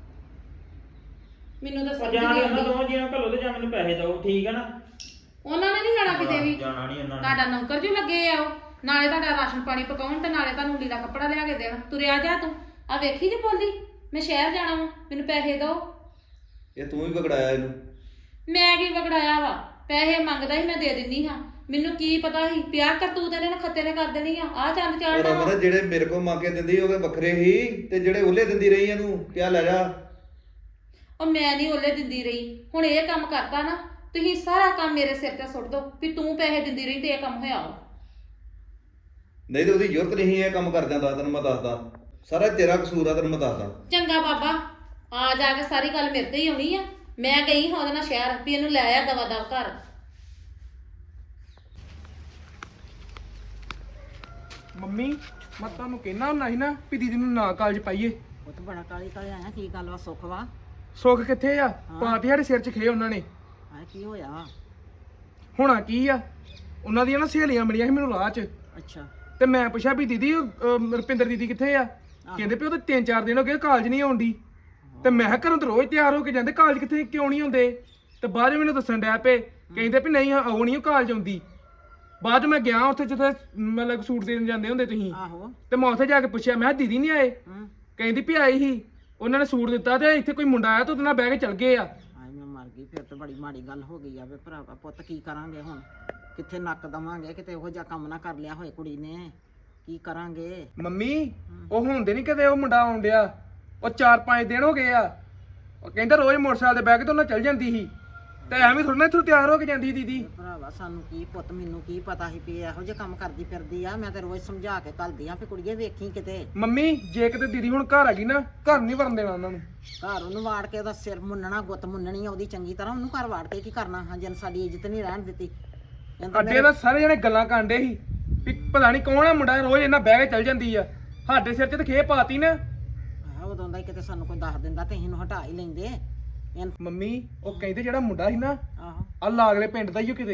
ਮੈਨੂੰ ਤਾਂ ਉਹ ਸਮਝ ਜਾਂ ਨਹੀਂ ਉਹਨਾਂ ਆਉਂਦੀ। ਦੋਵਾਂ ਜੀਆਂ ਨੂੰ ਘੱਲੋ ਤੇ ਜਾਂ ਮੈਨੂੰ ਪੈਸੇ ਦਿਓ, ਠੀਕ ਹੈ ਨਾ? ਉਹਨਾਂ ਨੇ ਨਹੀਂ ਜਾਣਾ ਕਿਤੇ ਵੀ। ਜਾਣਾ ਨਹੀਂ ਉਹਨਾਂ ਨੇ। ਤੁਹਾਡਾ ਨੌਕਰ ਜੋ ਲੱਗੇ ਆ ਉਹ, ਨਾਲੇ ਤੁਹਾਡਾ ਰਾਸ਼ਨ ਪਾਣੀ ਪਕਾਉਣ ਤੇ ਨਾਲੇ ਤੁਹਾਨੂੰ ਲੀੜਾ ਕੱਪੜਾ ਲਿਆ ਕੇ ਦੇਣਾ। ਤੁਰਿਆ ਜਾ ਤੂੰ। ਆ ਵੇਖੀ ਜੇ ਬੋਲੀ, ਮੈਂ ਸ਼ਹਿਰ ਜਾਣਾ ਵਾ, ਮੈਨੂੰ ਪੈਸੇ ਦਿਓ। ਇਹ ਤੂੰ ਹੀ ਵਿਗੜਾਇਆ ਇਹਨੂੰ। ਮੈਂ ਕੀ ਵਗੜਾਇਆ ਵਾ? ਪੈਸੇ ਮੰਗਦਾ ਸੀ, ਮੈਂ ਦੇ ਦਿੰਨੀ ਹਾਂ। ਮੈਨੂੰ ਕੀ ਪਤਾ ਸੀ ਪਿਆ ਕਰਤੂਤ ਇਹਨੇ ਖੱਤੇ ਨੇ ਕਰ ਦੇਣੀ ਆ। ਆ ਚੰਦ ਪਰ ਚਾੜਨਾ ਵਾ। ਰਮਨ ਜਿਹੜੇ ਮੇਰੇ ਕੋਲ ਮੰਗ ਕੇ ਦਿੰਦੀ ਉਹਦੇ ਵੱਖਰੇ ਹੀ, ਤੇ ਜਿਹੜੇ ਉਹਲੇ ਦਿੰਦੀ ਰਹੀ ਇਹਨੂੰ ਕਿਆ ਲੈ ਜਾ। ਉਹ ਮੈਂ ਨਹੀਂ ਓਲੇ ਦਿੰਦੀ ਰਹੀ। ਹੁਣ ਇਹ ਕੰਮ ਕਰਤਾ ਨਾ, ਤੁਸੀਂ ਸਾਰਾ ਕੰਮ ਮੇਰੇ ਸਿਰ ਤੇ ਸੁੱਟ ਦੋ ਵੀ ਤੂੰ ਪੈਸੇ ਦਿੰਦੀ ਰਹੀ ਤੇ ਇਹ ਕੰਮ ਹੋਇਆ ਵਾ। ਨਹੀਂ ਤੇ ਉਹਦੀ ਜ਼ਰੂਰਤ ਨਹੀਂ ਇਹ ਕੰਮ ਕਰ ਜਾਂਦਾ, ਤੈਨੂੰ ਮੈਂ ਦੱਸਦਾ। ਸਾਰਾ ਤੇਰਾ ਕਸੂਰ ਆ, ਤੈਨੂੰ ਮੈਂ ਦੱਸਦਾ। ਚੰਗਾ ਬਾਬਾ, ਆ ਜਾ ਕੇ ਸਾਰੀ ਗੱਲ ਮੇਰੇ ਤੇ ਹੀ ਆਉਣੀ ਆ। ਮੈਂ ਗਈ ਹਾਂ ਉਹਦੇ ਨਾਲ ਸ਼ਹਿਰ ਵੀ ਇਹਨੂੰ ਲੈ ਆ ਦਵਾ ਦਵ ਘਰ। ਮੰਮੀ ਮੈਂ ਤੁਹਾਨੂੰ ਕਹਿਣਾ ਹੁੰਦਾ ਸੀ ਨਾ ਵੀ ਦੀਦੀ ਨੂੰ ਨਾ ਕਾਲਜ ਪਾਈਏ। ਉਹ ਤਾਂ ਬੜਾ ਕਾਲੀ ਕਾਲੀ ਆਇਆ, ਕੀ ਗੱਲ ਵਾ? ਸੁੱਖ ਵਾ? ਸੁੱਖ ਕਿੱਥੇ ਆ? ਪਾਤੀ ਸਾਡੇ ਸਿਰ 'ਚ ਖੇ ਉਹਨਾਂ ਨੇ। ਹਾਂ ਕੀ ਹੋਇਆ? ਹੋਣਾ ਕੀ ਆ, ਉਹਨਾਂ ਦੀਆਂ ਨਾ ਸਹੇਲੀਆਂ ਮਿਲੀਆਂ ਸੀ ਮੈਨੂੰ ਰਾਹ 'ਚ, ਅੱਛਾ ਤੇ ਮੈਂ ਪੁੱਛਿਆ ਵੀ ਦੀਦੀ ਰੁਪਿੰਦਰ ਦੀਦੀ ਕਿੱਥੇ ਆ? ਕਹਿੰਦੇ ਵੀ ਉਹ ਤਾਂ 3-4 ਦਿਨ ਹੋ ਗਏ ਕਾਲਜ ਨਹੀਂ ਆਉਂਦੀ। ਤੇ ਮੈਂ ਕਿਹਾ ਘਰੋਂ ਤਾਂ ਰੋਜ਼ ਤਿਆਰ ਹੋ ਕੇ ਜਾਂਦੇ, ਕਾਲਜ ਕਿੱਥੇ ਕਿਉਂ ਨਹੀਂ ਹੁੰਦੇ? ਤੇ ਬਾਅਦ 'ਚ ਮੈਨੂੰ ਦੱਸਣ ਡਿਆ ਪਏ, ਕਹਿੰਦੇ ਵੀ ਨਹੀਂ ਉਹ ਨਹੀਂ ਕਾਲਜ ਆਉਂਦੀ। ਬਾਅਦ 'ਚ ਮੈਂ ਗਿਆ ਉੱਥੇ ਜਿੱਥੇ ਮਤਲਬ ਸੂਟ ਦੇਣ ਜਾਂਦੇ ਹੁੰਦੇ ਤੁਸੀਂ, ਆਹੋ ਤੇ ਮੈਂ ਉੱਥੇ ਜਾ ਕੇ ਪੁੱਛਿਆ, ਮੈਂ ਕਿਹਾ ਦੀਦੀ ਨਹੀਂ ਆਏ? ਕਹਿੰਦੀ ਵੀ ਆਈ ਸੀ, ਉਹਨਾਂ ਨੇ ਸੂਟ ਦਿੱਤਾ ਤੇ ਇੱਥੇ ਕੋਈ ਮੁੰਡਾ ਆਇਆ ਤੇ ਉਹਦੇ ਨਾਲ ਬਹਿ ਕੇ ਚਲ ਗਏ ਆ। ਹਾਏ ਮੈਂ ਮਰ ਗਈ, ਫਿਰ ਤਾਂ ਬੜੀ ਮਾੜੀ ਗੱਲ ਹੋ ਗਈ ਆ ਵੇ ਭਰਾਵਾ ਪੁੱਤ, ਕੀ ਕਰਾਂਗੇ ਹੁਣ? ਕਿੱਥੇ ਨੱਕ ਦਵਾਂਗੇ? ਕਿਤੇ ਉਹੋ ਜਿਹਾ ਕੰਮ ਨਾ ਕਰ ਲਿਆ ਹੋਏ ਕੁੜੀ ਨੇ, ਕੀ ਕਰਾਂਗੇ? ਮੰਮੀ ਉਹ ਹੁੰਦੇ ਨਹੀਂ ਕਦੇ ਉਹ ਮੁੰਡਾ ਆਉਣ ਡਿਆ, ਉਹ 4-5 ਦਿਨ ਹੋ ਗਏ ਆ। ਉਹ ਕਹਿੰਦਾ ਰੋਜ਼ ਮੋਟਰਸਾਈਕਲ ਤੇ ਬਹਿ ਕੇ ਤੇ ਉਹਨਾਂ ਚੱਲ ਜਾਂਦੀ ਸੀ, ਤੇ ਐਵੇਂ ਥੋੜਾ ਨਾ ਇੱਥੋਂ ਤਿਆਰ ਹੋ ਕੇ ਜਾਂਦੀ ਸੀ ਦੀਦੀ। ਭਰਾਵਾ ਸਾਨੂੰ ਕੀ ਪੁੱਤ, ਮੈਨੂੰ ਕੀ ਪਤਾ ਸੀ ਵੀ ਇਹੋ ਜਿਹੇ ਕੰਮ ਕਰਦੀ ਫਿਰਦੀ ਆ। ਮੈਂ ਤੇ ਰੋਜ਼ ਸਮਝਾ ਕੇ ਘੱਲਦੀ ਆ ਵੀ ਕੁੜੀਏ ਵੇਖੀ ਕਿਤੇ। ਮੰਮੀ ਜੇ ਕਿਤੇ ਦੀਦੀ ਹੁਣ ਘਰ ਆ ਗਈ ਨਾ, ਘਰ ਨਹੀਂ ਵੜਨ ਦੇਣਾ ਉਹਨਾਂ ਨੂੰ। ਘਰ ਉਹਨੂੰ ਵਾੜ ਕੇ ਉਹਦਾ ਸਿਰ ਮੁੰਨਣਾ, ਗੁੱਤ ਮੁੰਨਣੀ ਆ ਉਹਦੀ ਚੰਗੀ ਤਰ੍ਹਾਂ। ਉਹਨੂੰ ਘਰ ਵਾੜ ਕੇ ਕੀ ਕਰਨਾ? ਹਾਂ ਜਨ ਸਾਡੀ ਇੱਜ਼ਤ ਨਹੀਂ ਰਹਿਣ ਦਿੱਤੀ। ਅੱਡੇ ਦਾ ਸਾਰੇ ਜਣੇ ਗੱਲਾਂ ਕਾਂਡੇ ਸੀ ਵੀ ਪਤਾ ਨਹੀਂ ਕੌਣ ਆ ਮੁੰਡਾ ਰੋਜ਼ ਇਹਨਾਂ ਬਹਿ ਕੇ ਚੱਲ ਜਾਂਦੀ ਆ। ਸਾਡੇ ਸਿਰ 'ਚ ਤਾਂ ਖੇ ਪਾਤੀ ਨਾ। ਉਦੋਂ ਦਾ ਹੀ ਕਿਤੇ ਸਾਨੂੰ ਕੋਈ ਦੱਸ ਦਿੰਦਾ ਤੇ ਅਸੀਂ ਇਹਨੂੰ ਹਟਾ ਹੀ ਲੈਂਦੇ। ਮੰਮੀ ਉਹ ਕਹਿੰਦੇ ਜਿਹੜਾ ਮੁੰਡਾ ਸੀ ਨਾ ਆਹੋ ਆ ਲਾਗਲੇ ਪਿੰਡ ਦਾ ਹੀ ਉਹ ਕਿਤੇ।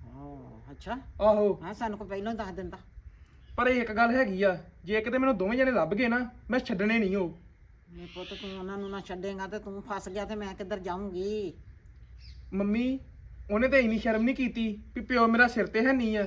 ਅੱਛਾ ਆਹੋ ਹਾਂ, ਸਾਨੂੰ ਕੋਈ ਪਹਿਲਾਂ ਹੀ ਦੱਸ ਦਿੰਦਾ। ਪਰ ਇੱਕ ਗੱਲ ਹੈਗੀ ਆ, ਜੇ ਕਿਤੇ ਮੈਨੂੰ ਦੋਵੇਂ ਜਣੇ ਲੱਭ ਗਏ ਨਾ, ਮੈਂ ਛੱਡਣੇ ਨਹੀਂ ਉਹ। ਮੇਰੇ ਪੁੱਤ ਤੂੰ ਉਹਨਾਂ ਨੂੰ ਨਾ ਛੱਡੇਗਾ ਤੇ ਤੂੰ ਫਸ ਗਿਆ ਤੇ ਮੈਂ ਕਿੱਧਰ ਜਾਊਂਗੀ? ਮੰਮੀ ਉਹਨੇ ਤਾਂ ਇੰਨੀ ਸ਼ਰਮ ਨਹੀਂ ਕੀਤੀ ਵੀ ਪਿਓ ਮੇਰਾ ਸਿਰ ਤੇ ਹੈ ਨਹੀਂ ਆ।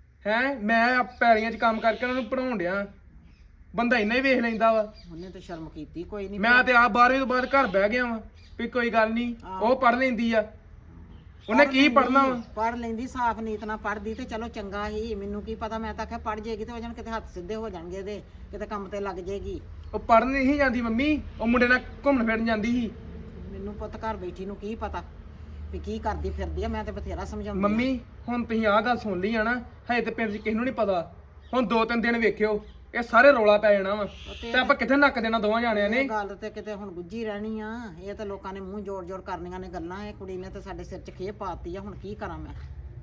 ਮੈਂ ਪੈਲੀਆਂ 'ਚ ਕੰਮ ਕਰਕੇ ਉਹਨਾਂ ਨੂੰ ਪੜਾਉਣ ਡਿਆ, ਬੰਦਾ ਇੰਨਾ ਹੀ ਵੇਖ ਲੈਂਦਾ ਵਾ। ਉਹਨੇ ਤਾਂ ਸ਼ਰਮ ਕੀਤੀ ਕੋਈ ਨਹੀਂ। ਮੈਂ ਤੇ ਆਪ 12ਵੀਂ ਤੋਂ ਬਾਅਦ ਘਰ ਬਹਿ ਗਿਆ ਵਾਂ ਵੀ ਕੋਈ ਗੱਲ ਨਹੀਂ, ਉਹ ਪੜ ਲੈਂਦੀ ਆ। ਉਹਨੇ ਕੀ ਪੜਨਾ ਵਾ? ਪੜ ਲੈਂਦੀ, ਸਾਫ ਨੀਤ ਨਾਲ ਪੜਦੀ ਤੇ ਚਲੋ ਚੰਗਾ ਹੀ। ਮੈਨੂੰ ਕੀ ਪਤਾ, ਮੈਂ ਤਾਂ ਆਖਿਆ ਪੜ ਜੇਗੀ ਤੇ ਵਜਨ ਕਿਤੇ ਹੱਥ ਸਿੱਧੇ ਹੋ ਜਾਣਗੇ ਇਹਦੇ, ਕਿਤੇ ਕੰਮ ਤੇ ਲੱਗ ਜੇਗੀ। ਉਹ ਪੜਨ ਨਹੀਂ ਜਾਂਦੀ ਮੰਮੀ, ਉਹ ਮੁੰਡੇ ਨਾਲ ਘੁੰਮਣ ਫਿਰਨ ਜਾਂਦੀ ਸੀ। ਮੈਨੂੰ ਪੁੱਤ ਘਰ ਬੈਠੀ ਨੂੰ ਕੀ ਪਤਾ ਵੀ ਕੀ ਕਰਦੀ ਫਿਰਦੀ ਆ। ਮੈਂ ਤੇ ਬਥੇਰਾ ਸਮਝਾਉਂਦੀ। ਮੰਮੀ ਹੁਣ ਤੁਸੀਂ ਆਹ ਗੱਲ ਸੁਣ ਲਈ ਆ ਨਾ, ਹਜੇ ਤੇ ਪਿੰਡ 'ਚ ਕਿਸੇ ਨੂੰ ਨਹੀਂ ਪਤਾ। ਹੁਣ 2-3 ਦਿਨ ਵੇਖਿਓ ਇਹ ਸਾਰੇ ਰੌਲਾ ਪੈ ਜਾਣਾ ਵਾ, ਤੇ ਆਪਾਂ ਕਿੱਥੇ ਨੱਕ ਦੇਣਾ ਦੋਵਾਂ ਜਾਣਿਆਂ ਨੇ। ਇਹ ਗੱਲ ਤੇ ਕਿਤੇ ਹੁਣ ਗੁੱਝੀ ਰਹਿਣੀ ਆ। ਇਹ ਤਾਂ ਲੋਕਾਂ ਨੇ ਮੂੰਹ ਜੋੜ-ਜੋੜ ਕਰਨੀਆਂ ਨੇ ਗੱਲਾਂ। ਇਹ ਕੁੜੀ ਨੇ ਤੇ ਸਾਡੇ ਸਿਰ 'ਚ ਖੇਪ ਪਾਤੀ ਆ। ਹੁਣ ਕੀ ਕਰਾਂ ਮੈਂ?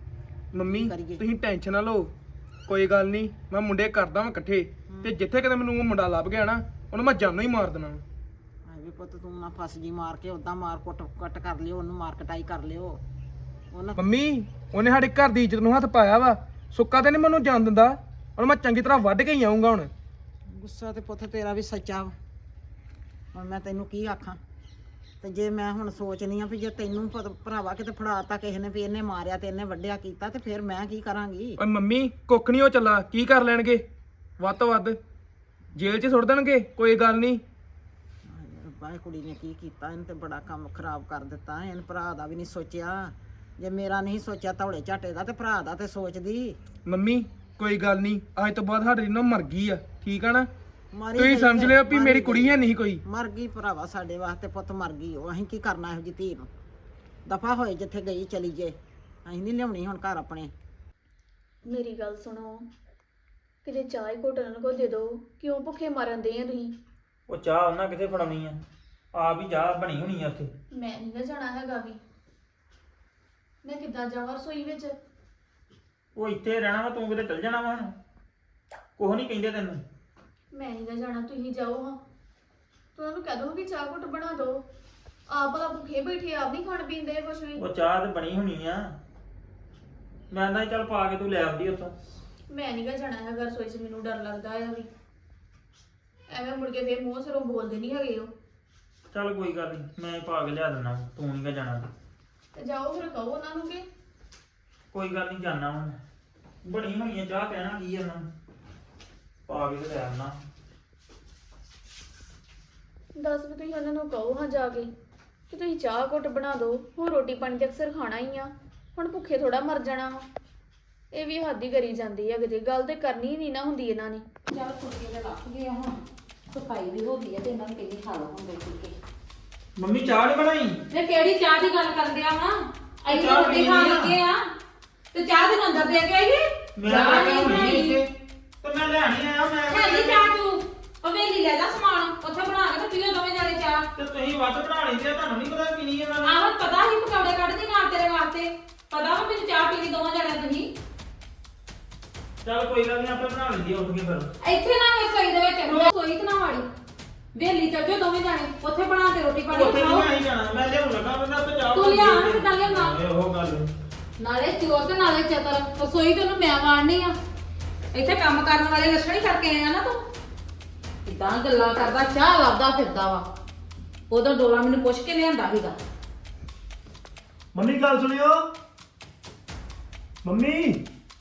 ਮੰਮੀ ਤੁਸੀਂ ਟੈਨਸ਼ਨ ਨਾ ਲਓ, ਕੋਈ ਗੱਲ ਨਹੀਂ, ਮੈਂ ਮੁੰਡੇ ਕਰਦਾ ਵਾਂ ਇਕੱਠੇ, ਤੇ ਜਿੱਥੇ ਕਿਤੇ ਮੈਨੂੰ ਉਹ ਮੁੰਡਾ ਲੱਭ ਗਿਆ ਨਾ, ਉਹਨੂੰ ਮੈਂ ਜਾਨੋਂ ਹੀ ਮਾਰ ਦੇਣਾ। ਹਾਏ ਵੀ ਪੁੱਤ ਤੂੰ ਨਾ ਫਸ ਜੀ ਮਾਰ ਕੇ, ਉਦਾਂ ਮਾਰ ਕੁੱਟ ਕਰ ਲਿਓ ਉਹਨੂੰ, ਮਾਰ ਕਟਾਈ ਕਰ ਲਿਓ ਉਹਨਾਂ। ਮੰਮੀ ਉਹਨੇ ਸਾਡੇ ਘਰ ਦੀ ਇੱਜ਼ਤ ਨੂੰ ਹੱਥ ਪਾਇਆ ਵਾ, ਸੁੱਕਾ ਤੇ ਨਹੀਂ ਮੈਨੂੰ ਜਾਣ ਦਿੰਦਾ। ਉਹਨੂੰ ਮੈਂ ਚੰਗੀ ਤਰ੍ਹਾਂ ਵੱਢ ਕੇ ਹੀ ਆਉਂਗਾ ਹੁਣ। ਗੁੱਸਾ ਤੇ ਪੁੱਤ ਤੇਰਾ ਵੀ ਸੱਚਾ ਵਾ। ਹੁਣ ਮੈਂ ਤੈਨੂੰ ਕੀ ਆਖਾਂ? ਤੇ ਜੇ ਮੈਂ ਹੁਣ ਸੋਚਨੀ ਆ ਵੀ ਜੇ ਤੈਨੂੰ ਭਰਾਵਾ ਕਿਤੇ ਫੜਾਤਾ ਕਿਸੇ ਨੇ ਵੀ ਇਹਨੇ ਮਾਰਿਆ ਤੇ ਇਹਨੇ ਵੱਢਿਆ ਕੀਤਾ, ਤੇ ਫਿਰ ਮੈਂ ਕੀ ਕਰਾਂਗੀ? ਓਏ ਮੰਮੀ ਕੁੱਖ ਨਹੀਂ ਉਹ ਚੱਲਾ, ਕੀ ਕਰ ਲੈਣਗੇ? ਵੱਧ ਤੋਂ ਵੱਧ ਜੇਲ੍ਹ 'ਚ ਸੁੱਟ ਦੇਣਗੇ, ਕੋਈ ਗੱਲ ਨਹੀਂ। ਰੱਬਾ ਇਹ ਕੁੜੀ ਨੇ ਕੀ ਕੀਤਾ? ਇਹਨੇ ਤੇ ਬੜਾ ਕੰਮ ਖਰਾਬ ਕਰ ਦਿੱਤਾ। ਇਹਨੇ ਭਰਾ ਦਾ ਵੀ ਨਹੀਂ ਸੋਚਿਆ। ਜੇ ਮੇਰਾ ਨਹੀਂ ਸੋਚਿਆ ਧੌਲੇ ਝਾਟੇ ਦਾ, ਤੇ ਭਰਾ ਦਾ ਤੇ ਸੋਚਦੀ। ਮੰਮੀ ਕੋਈ ਗੱਲ ਨਹੀਂ, ਅੱਜ ਤੋਂ ਬਾਅਦ ਸਾਡੀ ਨੂੰ ਮਰ ਗਈ ਆ, ਠੀਕ ਆ ਨਾ? ਮਾਰੀ ਤੁਸੀਂ ਗਈ ਸਮਝ ਹੈ, ਲਿਓ ਵੀ ਮਾਰੀ ਮੇਰੀ ਗਈ। ਕੁੜੀ ਹੈ ਨਹੀਂ ਕੋਈ। ਮਰ ਗਈ ਭਰਾਵਾ, ਸਾਡੇ ਵਾਸਤੇ ਪੁੱਤ ਮਰ ਗਈ ਉਹ। ਅਸੀਂ ਕੀ ਕਰਨਾ ਇਹੋ ਜਿਹੀ ਧੀ ਨੂੰ? ਦਫਾ ਹੋਏ ਜਿੱਥੇ ਗਈ ਚਲੀ ਜੇ, ਅਸੀਂ ਨਹੀਂ ਲਿਆਉਣੀ ਹੁਣ ਘਰ ਆਪਣੇ। ਮੇਰੀ ਗੱਲ ਸੁਣੋ, ਕਿਤੇ ਚਾਹ ਹੀ ਘੁੱਟ ਉਹਨਾਂ ਕੋ ਦੇ ਦਿਓ। ਕਿਉਂ ਭੁੱਖੇ ਮਰਨ ਦੇ ਆ ਤੁਸੀਂ? ਉਹ ਚਾਹ ਉਹਨਾਂ ਕਿੱਥੇ ਫੜਾਉਣੀ ਆ, ਆਪ ਹੀ ਚਾਹ ਬਣੀ ਹੋਣੀ ਆ ਉੱਥੇ। ਮੈਂ ਨਹੀਂ ਗਾ ਜਾਣਾ ਹੈਗਾ ਵੀ। ਮੈਂ ਕਿੱਦਾਂ ਜਾਵਾਂ ਰਸੋਈ ਵਿੱਚ? ਉਹ ਇੱਥੇ ਰਹਿਣਾ ਵਾ, ਤੂੰ ਕਿਤੇ ਚੱਲ ਜਾਣਾ ਵਾ ਹੁਣ? ਕੁਛ ਨਹੀਂ ਕਹਿੰਦੇ ਤੈਨੂੰ। ਮੈਂ ਨਹੀਂ ਗਾ ਜਾਣਾ, ਤੁਸੀਂ ਜਾਓ ਹਾਂ। ਤੂੰ ਉਹਨੂੰ ਕਹਿ ਦੋ ਕਿ ਚਾਹ ਘੁੱਟ ਬਣਾ ਦਿਓ। ਆਪ ਭਲਾ ਭੁੱਖੇ ਬੈਠੇ, ਆਪ ਨਹੀਂ ਖਾਣ ਪੀਂਦੇ ਕੁਛ ਵੀ। ਉਹ ਚਾਹ ਤੇ ਬਣੀ ਹੋਣੀ ਆ, ਮੈਂ ਤਾਂ ਚੱਲ ਪਾ ਕੇ ਤੂੰ ਲੈ ਆਉਂਦੀ ਉੱਥੋਂ। ਮੈਂ ਨਹੀਂ ਗਾ ਜਾਣਾ ਹੈਗਾ ਰਸੋਈ 'ਚ, ਮੈਨੂੰ ਡਰ ਲੱਗਦਾ ਆ ਵੀ ਐਵੇਂ ਮੁੜ ਕੇ ਫੇਰ ਮੂੰਹ ਸਿਰੋਂ ਬੋਲਦੇ ਨਹੀਂ ਹੈਗੇ ਉਹ। ਚੱਲ ਕੋਈ ਗੱਲ ਨਹੀਂ, ਮੈਂ ਪਾ ਕੇ ਲਿਆ ਦਿੰਦਾ, ਤੂੰ ਨਹੀਂ ਗਾ ਜਾਣਾ। ਤੇ ਜਾਓ ਫਿਰ ਕਹੋ ਉਹਨਾਂ ਨੂੰ ਕਿ ਕੋਈ ਗੱਲ ਨਹੀਂ, ਜਾਣਾ ਹੁਣ। ਬਣੀ ਹੋਣੀ ਆ ਚਾਹ, ਕਹਿਣਾ ਕੀ ਆ ਉਹਨਾਂ ਨੂੰ, ਪਾ ਕੇ ਤੇ ਲੈ ਆਉਣਾ। ਦੱਸ ਵੀ ਤੁਸੀਂ ਉਹਨਾਂ ਨੂੰ ਕਹੋ ਹਾਂ ਜਾ ਕੇ ਕਿ ਤੁਸੀਂ ਚਾਹ ਘੁੱਟ ਬਣਾ ਦਿਓ। ਹੁਣ ਰੋਟੀ ਪਾਣੀ ਤੇ ਅਕਸਰ ਖਾਣਾ ਹੀ ਆ, ਹੁਣ ਭੁੱਖੇ ਥੋੜਾ ਮਰ ਜਾਣਾ ਵਾ। ਇਹ ਵੀ ਹੱਦ ਹੀ ਕਰੀ ਜਾਂਦੀ ਹੈ, ਕਿਤੇ ਗੱਲ ਤੇ ਕਰਨੀ ਨਹੀਂ ਨਾ ਹੁੰਦੀ ਇਹਨਾਂ ਨੇ। ਚੱਲ ਫੁਲਕੇ ਤੇ ਲੱਗ ਗਏ ਹੁਣ, ਸਫਾਈ ਵੀ ਹੋ ਗਈ ਹੈ ਤੇ ਇਹਨਾਂ ਨੂੰ ਕਹਿੰਦੀ ਖਾ ਲਓ ਹੁਣ ਦੋ ਫੁਲਕੇ। ਮੰਮੀ ਚਾਹ ਨਹੀਂ ਬਣਾਈ? ਤੇ ਕਿਹੜੀ ਚਾਹ ਦੀ ਗੱਲ ਕਰਦੇ ਆ ਵਾ? ਅਸੀਂ ਚਾਹ ਰੋਟੀ ਪੀਣੀ ਖਾਣ ਆ। ਲੱਗੇ ਆ ਤੇ ਚਾਹ ਦੇ ਅੰਦਰ ਦੇ ਕੇ ਆਈਏ। ਮੈਂ ਚਾਹ ਤਾਂ ਨਹੀਂ ਹੁਣੀ ਬਣਾਈ। ਇੱਥੇ ਤੇ ਮੈਂ ਲੈਣੀ ਆਇਆ। ਮੈਂ ਹੈ ਨੀ ਚਾਹ ਤੂੰ ਹਵੇਲੀ ਲੈ ਜਾ ਸਮਾਨ, ਉੱਥੇ ਬਣਾ ਕੇ ਤੇ ਪੀਓ ਦੋਵੇਂ ਜਾਣੇ ਚਾਹ। ਤੇ ਤੁਸੀਂ ਵੱਧ ਬਣਾ ਲੈਂਦੇ ਆ, ਤੁਹਾਨੂੰ ਨਹੀਂ ਪਤਾ ਪੀਣੀ ਇਹਨਾਂ ਨੇ। ਆਹੋ ਪਤਾ ਹੀ ਪਕੌੜੇ ਕੱਢਦੀ ਨਾਲ ਤੇਰੇ ਵਾਸਤੇ, ਪਤਾ ਵਾ ਮੈਨੂੰ ਚਾਹ ਪੀਣੀ ਦੋਵਾਂ ਜਾਣਿਆਂ ਤੁਸੀਂ। ਚੱਲ ਕੋਈ ਗੱਲ ਨਹੀਂ, ਆਪੇ ਬਣਾ ਲੈਂਦੀ ਆ ਉੱਠ ਕੇ ਫਿਰ। ਇੱਥੇ ਨਾ ਰਸੋਈ ਦੇ ਵਿੱਚ ਰਸੋਈ ਤੇ ਨਾ ਵਾੜੀ, ਵੇਲੀ ਚੱਲ ਜਾਓ ਦੋਵੇਂ ਜਾਣੇ, ਉੱਥੇ ਬਣਾ ਕੇ ਰੋਟੀ ਪਾਣੀ ਉੱਥੇ ਖਾਓ। ਨਹੀਂ ਆਈ ਜਾਣਾ, ਮੈਂ ਲਿਆਉਣ ਲੱਗਾ ਬੰਦਾ ਤੇ ਚਾਹ ਤੂੰ ਲਿਆ ਨਾ, ਕਿੱਦਾਂ ਲਿਆਉਣਾ? ਉਹ ਗੱਲ ਨਾਲੇ ਚੋਰ ਤੇ ਨਾਲੇ ਚਤਰ ਰਸੋਈ ਤੇ ਉਹਨੂੰ ਮੈਂ ਵਾੜਨੀ ਆ ਇੱਥੇ ਕੰਮ ਕਰਨ ਵਾਲੇ ਲੱਛਣ ਹੀ ਕਰਕੇ ਆਇਆ ਨਾ ਤੂੰ ਇਦਾਂ ਗੱਲਾਂ ਕਰਦਾ ਚਾਹ ਲੱਭਦਾ ਫਿਰਦਾ ਵਾ ਉਦੋਂ ਡੋਲਾ ਮੈਨੂੰ ਪੁੱਛ ਕੇ ਲਿਆਂਦਾ ਸੀਗਾ ਮੰਮੀ ਗੱਲ ਸੁਣਿਓ ਮੰਮੀ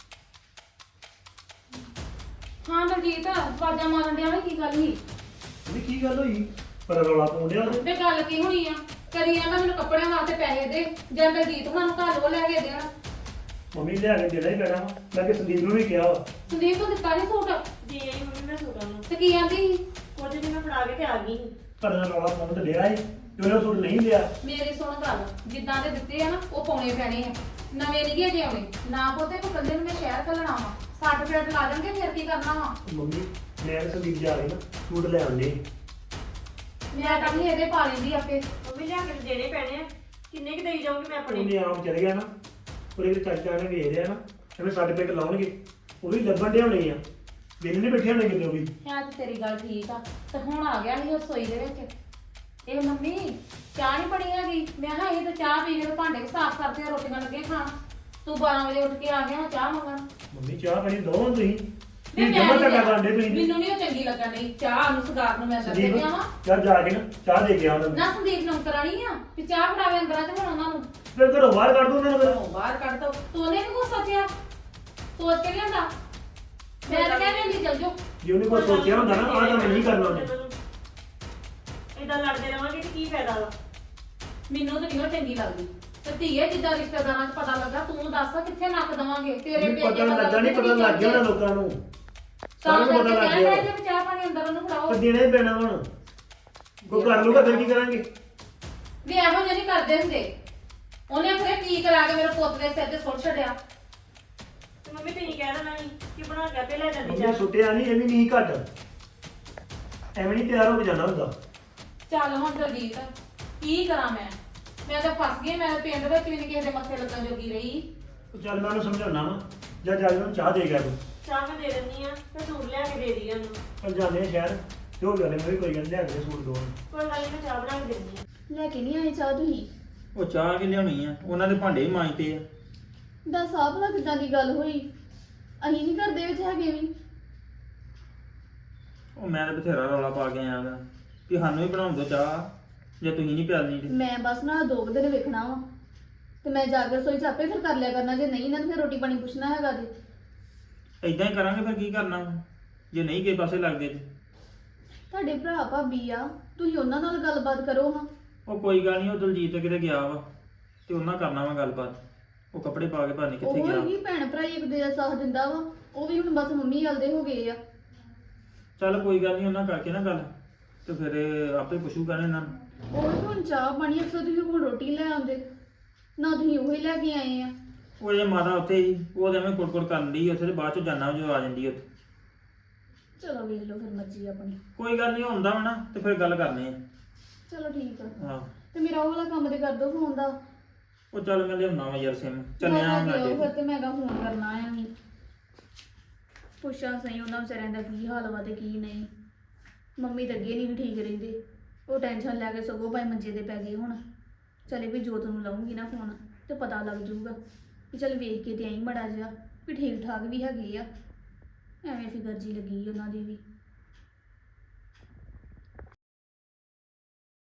ਹਾਂ ਦਲਜੀਤ ਆਵਾਜ਼ਾਂ ਮਾਰਨ ਡਿਆ ਵਾ ਕੀ ਗੱਲ ਸੀ ਮੰਮੀ ਕੀ ਗੱਲ ਹੋਈ ਪਰ ਰੌਲਾ ਪਾਉਣ ਡਿਆ ਤੇ ਗੱਲ ਕੀ ਹੋਣੀ ਆ ਕਰੀ ਜਾਂਦਾ ਮੈਨੂੰ ਕੱਪੜਿਆਂ ਵਾਸਤੇ ਪੈਸੇ ਦੇ ਜਾਂ ਦਲਜੀਤ ਉਹਨਾਂ ਨੂੰ ਘਰ ਉਹ ਲੈ ਕੇ ਦੇਣ ਮੰਮੀ ਲਿਆ ਕੇ ਦੇਣਾ ਹੀ ਪੈਣਾ ਵਾ। ਮੈਂ ਕਿ ਸੰਦੀਪ ਨੂੰ ਵੀ ਕਿਹਾ ਵਾ ਸੰਦੀਪ ਨੂੰ ਦਿੱਤਾ ਨਹੀਂ ਸੂਟ ਜੀ ਆਈ ਮੰਮੀ ਮੈਂ ਸੂਟਾਂ ਨੂੰ ਤੇ ਕੀ ਆਂਦੀ ਸੀ ਕੁਝ ਦਿਨ ਮੈਂ ਫੜਾ ਕੇ ਤੇ ਆ ਗਈ ਸੀ। ਪਰ ਰੌਲਾ ਪਾਉਣ ਤੇ ਲਿਆ ਸੀ ਤੇ ਉਹਨੇ ਸੂਟ ਨਹੀਂ ਲਿਆ ਮੇਰੀ ਸੁਣ ਗੱਲ ਜਿੱਦਾਂ ਦੇ ਦਿੱਤੇ ਆ ਨਾ ਉਹ ਪਾਉਣੇ ਪੈਣੇ ਆ ਨਵੇਂ ਨਹੀਂ ਗੇ ਜੇ ਆਉਣੇ ਨਾ ਪੋਤੇ ਕੋ ਕੱਲੇ ਨੂੰ ਮੈਂ ਸ਼ਹਿਰ ਘੱਲਣਾ ਵਾ 60 ਰੁਪਏ ਲਾ ਦੇਣਗੇ ਫਿਰ ਕੀ ਕਰਨਾ ਵਾ ਮੰਮੀ ਮੈਂ ਤੇ ਸੰਦੀਪ ਜਾ ਰਹੀ ਨਾ ਸੂਟ ਲੈ ਆਉਂਦੇ ਮੈਂ ਤਾਂ ਨਹੀਂ ਇਹਦੇ ਪਾ ਲੈਂਦੀ ਆਪੇ ਮੰਮੀ ਲਿਆ ਕੇ ਦੇਣੇ ਪੈਣੇ ਆ ਕਿੰਨੇ ਕਿ ਦੇਈ ਜਾਊਂਗੀ ਮੈਂ ਆਪਣੇ ਉਹਨੇ ਆਮ ਚਲੇ ਗਿਆ ਨਾ ਉਹਦੇ ਚਾਚਾ ਨੇ ਵੇਖ ਲਿਆ ਨਾ ਐਵੇਂ ਸਾਡੇ ਪਿੰਡ ਲਾਉਣਗੇ ਉਹ ਵੀ ਲੱਭਣ ਦੇ ਹੋਣੇ ਆ ਵੇਲੇ ਨਹੀਂ ਬੈਠੇ ਹੋਣੇ ਕਿਤੇ ਉਹ ਵੀ ਹੈ ਤੇ ਤੇਰੀ ਗੱਲ ਠੀਕ ਆ ਤੇ ਹੁਣ ਆ ਗਿਆ ਸੀ ਉਹ ਰਸੋਈ ਦੇ ਵਿੱਚ ਇਹ ਮੰਮੀ ਚਾਹ ਨਹੀਂ ਬਣੀ ਹੈਗੀ ਮੈਂ ਕਿਹਾ ਇਹ ਤਾਂ ਚਾਹ ਪੀ ਕੇ ਤੇ ਭਾਂਡੇ ਵੀ ਸਾਫ਼ ਕਰਦੇ ਆ ਰੋਟੀਆਂ ਲੱਗੇ ਖਾਣ ਤੂੰ 12 ਵਜੇ ਉੱਠ ਕੇ ਆ ਗਿਆ ਚਾਹ ਮੰਗਣ ਮੰਮੀ ਚਾਹ ਪਾਣੀ ਦੋ ਤੁਸੀਂ ਵੀ ਕੀ ਮੈਂ ਜਮਾ ਨੀ ਟਕਾ ਲਿਆ। ਕਰਦੇ ਤੁਸੀਂ ਮੈਨੂੰ ਨਹੀਂ ਉਹ ਚੰਗੀ ਲੱਗਣ ਨਹੀਂ ਚਾਹ ਨੂੰ ਸਗਾਰ ਨੂੰ ਮੈਂ ਦੱਸ ਸੰਦੀਪ ਗਿਆ ਵਾ ਚੱਲ ਜਾ ਕੇ ਨਾ ਚਾਹ ਦੇ ਕੇ ਆ ਉਹਨਾਂ ਨੂੰ ਨਾ ਸੰਦੀਪ ਨੂੰ ਕਰਾਣੀ ਆ ਵੀ ਚਾਹ ਫੜਾਵੇ ਅੰਦਰਾਂ ਚ ਹੁਣ ਉਹਨਾਂ ਨੂੰ ਫਿਰ ਘਰੋਂ ਬਾਹਰ ਕੱਢ ਦੋ ਉਹਨਾਂ ਨੂੰ ਫਿਰ। ਘਰੋਂ ਬਾਹਰ ਕੱਢ ਦੋ ਤੂੰ ਉਹਨੇ ਨੀ ਕੁਛ ਸੋਚਿਆ ਸੋਚ ਕੇ ਲਿਆਂਦਾ ਮੈਂ ਤਾਂ ਕਹਿੰਦੀ ਹੁੰਦੀ ਚੱਲ ਜਾਓ ਜੇ ਉਹਨੇ ਕੋਈ ਸੋਚਿਆ ਹੁੰਦਾ ਨਾ ਆਹ ਕੰਮ ਨਹੀਂ ਕਰਨਾ ਉਹਨੇ ਇਦਾਂ ਲੜਦੇ ਰਵਾਂਗੇ ਤੇ ਕੀ ਫਾਇਦਾ ਵਾ ਮੈਨੂੰ ਤਾਂ ਨਹੀਂ ਉਹ ਚੰਗੀ ਲੱਗਦੀ ਤੇ ਧੀਏ ਜਿੱਦਾਂ ਰਿਸ਼ਤੇਦਾਰਾਂ 'ਚ ਪਤਾ ਲੱਗਾ ਤੂੰ ਦੱਸ ਕਿੱਥੇ ਨੱਕ ਦਵਾਂਗੇ ਤੇਰੇ ਮੈਨੂੰ ਪਤਾ ਲੱਗਾ ਨਹੀਂ ਪਤਾ ਲੱਗ ਗਿਆ ਉਹਨਾਂ ਲੋਕਾਂ ਨੂੰ ਤਾਂ ਸਾਰਿਆਂ ਨੂੰ ਪਤਾ ਲੱਗ ਗਿਆ ਜੇ ਚਾਹ ਪਾਣੀ ਅੰਦਰ ਉਹਨੂੰ ਫੜਾਓ ਪਰ ਦੇਣਾ ਹੀ ਪੈਣਾ ਹੁਣ ਕੋਈ ਕਰ ਲੂਗਾ ਫਿਰ ਕੀ ਕਰਾਂਗੇ ਵੀ ਇਹੋ ਜਿਹੇ ਨਹੀਂ ਕਰਦੇ ਹੁੰਦੇ ਉਹਨੇ ਫਿਰ ਕੀ ਕਰਾ ਕੇ ਮੇਰੇ ਪੁੱਤ ਦੇ ਸਿਰ ਤੇ ਸੁੱਟ ਛੱਡਿਆ ਤੇ ਮੰਮੀ ਤੁਸੀਂ ਕਹਿ ਦੇਣਾ ਸੀ ਕਿ ਬਣਾ ਕੇ ਆਪੇ ਲੈ ਜਾਂਦੀ ਮੰਮੀ ਚਾਹ ਸੁੱਟਿਆ ਨਹੀਂ ਇਹ ਵੀ ਨਹੀਂ ਘੱਟ ਐਵੇਂ ਨਹੀਂ ਤਿਆਰ ਹੋ ਕੇ ਜਾਣਾ ਹੁੰਦਾ ਚੱਲ ਹੁਣ ਦਲਜੀਤ ਕੀ ਕਰਾਂ ਮੈਂ ਤਾਂ ਫਸ ਗਈ ਮੈਂ ਪਿੰਡ ਵਿੱਚ ਵੀ ਨਹੀਂ ਕਿਸੇ ਦੇ ਮੱਥੇ ਲੱਗਣ ਜੋਗੀ ਰਹੀ ਉਹ ਚੱਲ ਮੈਂ ਉਹਨੂੰ ਸਮਝਾਉਣਾ ਵਾ ਜਾਂ ਜਾ ਕੇ ਉਹਨੂੰ ਚਾਹ ਦੇ ਗਿਆ ਤੂੰ ਚਾਹ ਮੈਂ ਦੇ ਦਿੰਦੀ ਆ ਤੇ ਸੂਟ ਲਿਆ ਕੇ ਦੇ ਦੀ ਉਹਨੂੰ ਚੱਲ ਜਾਂਦੇ ਆ ਸ਼ਹਿਰ ਜੋ ਗੱਲ ਹੈ ਮੇਰੀ ਕੋਈ ਗੱਲ ਲਿਆ ਕੇ ਸੂਟ ਦੋ ਕੋਈ ਗੱਲ ਨੀ ਮੈਂ ਚਾਹ ਬਣਾ ਕੇ ਦਿੰਦੀ ਆ ਲੈ ਕੇ ਨਹੀਂ ਆਏ ਚਾਹ ਤੁਸੀਂ ਉਹ ਚਾਹ ਕਿ ਲਿਆਉਣੀ ਆ ਉਹਨਾਂ ਦੇ ਭਾਂਡੇ ਹੀ ਮਾਂਜਦੇ ਆ ਦੱਸ ਆਹ ਭਲਾ ਕਿੱਦਾਂ ਦੀ ਗੱਲ ਹੋਈ ਅਸੀਂ ਨਹੀਂ ਘਰ ਦੇ ਵਿੱਚ ਹੈਗੇ ਵੀ ਉਹ ਮੈਂ ਤਾਂ ਬਥੇਰਾ ਰੌਲਾ ਪਾ ਕੇ ਆਇਆ ਗਾ ਕਿ ਸਾਨੂੰ ਹੀ ਬਣਾਉਣ ਦਿਓ ਚਾਹ ਜੇ ਤੁਸੀਂ ਨਹੀਂ ਪਿਆਲਣੀ ਤੇ ਮੈਂ ਬਸ ਨਾ 2 ਦਿਨ ਵੇਖਣਾ ਵਾ ਤੇ ਮੈਂ ਜਾ ਕੇ ਰਸੋਈ ਚ ਆਪੇ ਫਿਰ ਕਰ ਲਿਆ ਕਰਨਾ ਜੇ ਨਹੀਂ ਨਾ ਤੇ ਫਿਰ ਰੋਟੀ ਪਾਣੀ ਪੁੱਛਣਾ ਹੈਗਾ ਜੇ ਇਦਾਂ ਹੀ ਕਰਾਂਗੇ ਫਿਰ ਕੀ ਕਰਨਾ ਵਾ? ਜੇ ਨਹੀਂ ਕਿਸੇ ਪਾਸੇ ਲੱਗਦੇ ਤੇ ਤੁਹਾਡੇ ਭਰਾ ਭਾਬੀ ਆ ਤੁਸੀਂ ਉਹਨਾਂ ਨਾਲ ਗੱਲਬਾਤ ਕਰੋ ਹਾਂ ਉਹ ਕੋਈ ਗੱਲ ਨਹੀਂ ਉਹ ਦਲਜੀਤ ਕਿਤੇ ਗਿਆ ਵਾ ਤੇ ਉਹਨਾਂ ਕਰਨਾ ਵਾ ਗੱਲਬਾਤ ਉਹ ਕੱਪੜੇ ਪਾ ਕੇ ਪਤਾ ਨੀ ਕਿੱਥੇ ਉਹ ਗਿਆ ਹੀ ਭੈਣ ਭਰਾ ਹੀ ਇੱਕ ਦੂਜੇ ਦਾ ਸਾਥ ਦਿੰਦਾ ਵਾ ਉਹ ਵੀ ਹੁਣ ਬਸ ਮੰਮੀ ਵੱਲਦੇ ਹੋ ਗਏ ਆ ਚੱਲ ਕੋਈ ਗੱਲ ਨਹੀਂ ਉਹਨਾਂ ਕਰਕੇ ਨਾ ਗੱਲ ਤੇ ਫਿਰ ਆਪੇ ਪੁੱਛੂਗਾ ਨਾ ਇਹਨਾਂ ਨੂੰ ਉਹ ਵੀ ਹੁਣ ਚਾਹ ਪਾਣੀ ਅਕਸਰ ਤੁਸੀਂ ਹੁਣ ਰੋਟੀ ਲੈ ਆਉਂਦੇ ਨਾ ਤੁਸੀਂ ਉਹੀ ਲੈ ਕੇ ਆਏ ਆ ਉਹ ਜੇ ਮਾਤਾ ਉੱਥੇ ਹੀ ਉਹ ਐਵੇਂ ਕੁੜਕੁੜ ਕਰਨ ਦੀ ਉੱਥੇ ਤੇ ਬਾਅਦ ਚ ਜਾਣਾ ਜੋ ਆ ਜਾਂਦੀ ਉੱਥੇ ਚਲੋ ਵੇਖ ਲਓ ਫਿਰ ਮਰਜ਼ੀ ਆਪਣੀ ਕੋਈ ਗੱਲ ਨਹੀਂ ਹੁੰਦਾ ਵਾ ਨਾ ਤੇ ਫਿਰ ਗੱਲ ਕਰਨੀ ਆ ਚਲੋ ਠੀਕ ਆ ਹਾਂ ਤੇ ਮੇਰਾ ਉਹ ਵਾਲਾ ਕੰਮ ਤੇ ਕਰ ਦੋ ਫੋਨ ਦਾ ਉਹ ਚੱਲ ਮੈਂ ਲਿਆਉਣਾ ਵਾ ਯਾਰ ਸਿਮ ਚੱਲਿਆ ਮੈਂ ਹੁਣ ਕਿਹਾ ਅੱਜ ਫਿਰ ਤੇ ਮੈਂ ਕਹਾ ਫੋਨ ਕਰਨਾ ਆ ਨਹੀਂ ਪੁੱਛਾਂ ਸਹੀ ਉਹਨਾਂ ਵਿਚਾਰਿਆਂ ਦਾ ਕੀ ਹਾਲ ਵਾ ਤੇ ਕੀ ਨਹੀਂ ਮੰਮੀ ਤਾਂ ਅੱਗੇ ਨਹੀਂ ਠੀਕ ਰਹਿੰਦੇ ਉਹ ਟੈਨਸ਼ਨ ਲੈ ਕੇ ਸਗੋਂ ਭਾਈ ਮੰਜੇ ਤੇ ਪੈ ਗਏ ਹੁਣ ਚਲੇ ਵੀ ਜੋਤ ਨੂੰ ਲਾਉਂਗੀ ਨਾ ਫੋਨ ਤੇ ਪਤਾ ਲੱਗ ਜਾਊਗਾ ਵੀ ਚੱਲ ਵੇਖ ਕੇ ਤੇ ਆਈ ਮੜਾ ਜਿਹਾ ਵੀ ਠੀਕ ਠਾਕ ਵੀ ਹੈਗੇ ਆ ਐਵੇਂ ਫਿਕਰ ਜੀ ਲੱਗੀ ਉਹਨਾਂ ਦੀ ਵੀ